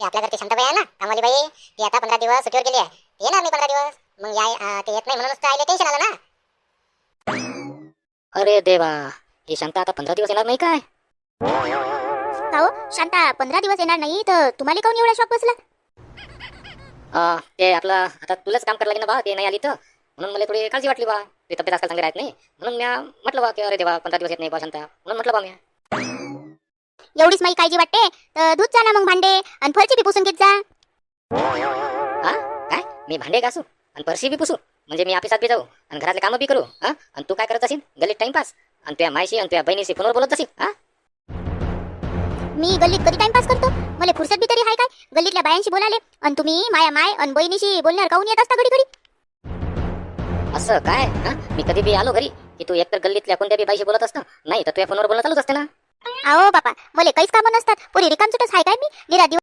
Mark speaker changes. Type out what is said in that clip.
Speaker 1: ते आपल्या घरची शांताबाई आहे ना कामवाली बाई, ती आता 15 दिवस सुट्टीवर गेली आहे. ती येणार नाही 15 दिवस. मग या ते येत नाही म्हणूनच तर आईला टेन्शन आलं ना.
Speaker 2: अरे देवा, ही शांता आता 15 दिवस येणार नाही काय?
Speaker 3: हो शांता 15 दिवस येणार नाही तर तुम्हाला काऊन एवढा शॉक बसला?
Speaker 2: ते आपलं आता तुलाच काम करायला लागेल ना बा, ते नाही आली तर म्हणून मला थोडी काळजी वाटली बा. ती तब्येत आजकाल चांगली राहत नाही म्हणून मी म्हटलं बा की अरे देवा 15 दिवस येत नाही बा शांता, म्हणून म्हटलं बा मी.
Speaker 3: एवढीच माझी काळजी वाटते तर धुत जा ना मग भांडे आणि फरची बी पुसून घेत जा.
Speaker 2: काय मी भांडे घासू आणि फरशी बी पुसू म्हणजे मी ऑफिसात बी जाऊ आणि घरातले कामं बी करू आणि तू काय करत असेल गल्लीत टाइमपास आणि तुझ्या मायशी आणि तुझ्या बहिणीशी फोनवर बोलत असेल?
Speaker 3: मी गल्लीत कधी टाइमपास करतो? मला फुरसत बी तरी आहे काय गल्लीतल्या बायांशी बोलाले? आणि तुम्ही माया माय आणि बहिणीशी बोलणार काऊन येत असता घडी घडी?
Speaker 2: असं काय? मी कधी बी आलो घरी की तू एकतर गल्लीतल्या कोणत्या बी बाईशी बोलत असतं, नाही तर तुझ्या फोनवर बोलणं चालूच असते ना.
Speaker 3: अहो बापा मला काहीच कामं नसतात. पुरी रिकामचुटच आहे काय मी? निरा